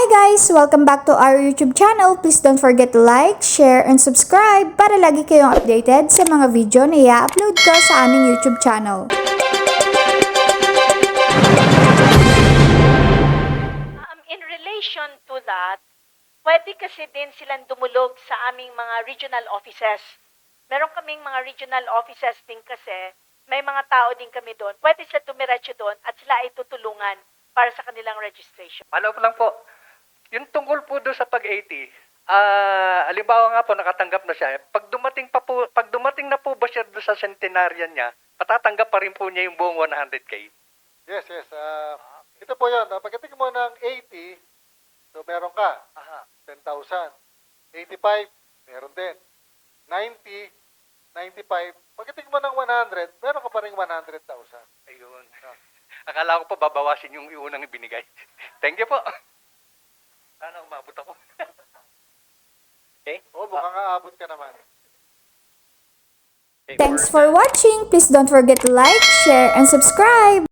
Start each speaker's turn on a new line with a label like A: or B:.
A: Hi guys! Welcome back to our YouTube channel. Please don't forget to like, share, and subscribe para lagi kayong updated sa mga video na i-upload ko sa aming YouTube channel.
B: In relation to that, pwede kasi din silang dumulog sa aming mga regional offices. Meron kaming mga regional offices din kasi, may mga tao din kami doon. Pwede sila tumiretso doon at sila ay tutulungan para sa kanilang registration.
C: Ano pa lang po, yung tungkol po doon sa pag-80, halimbawa nga po nakatanggap na siya, pag dumating na po ba siya doon sa centenarian niya, matatanggap pa rin po niya yung buong 100K?
D: Yes. Ito po yun. Pagdating mo ng 80, so meron ka. 10,000. 85, meron din. 90, 95. Pagdating mo ng 100, meron ka pa rin 100,000.
C: Ayun. Akala ko po babawasin yung unang ibinigay. Thank you po. Sana umabot ako. Okay?
D: Oo, mukhang aabot ka naman.
A: Thanks for watching! Please don't forget to like, share, and subscribe!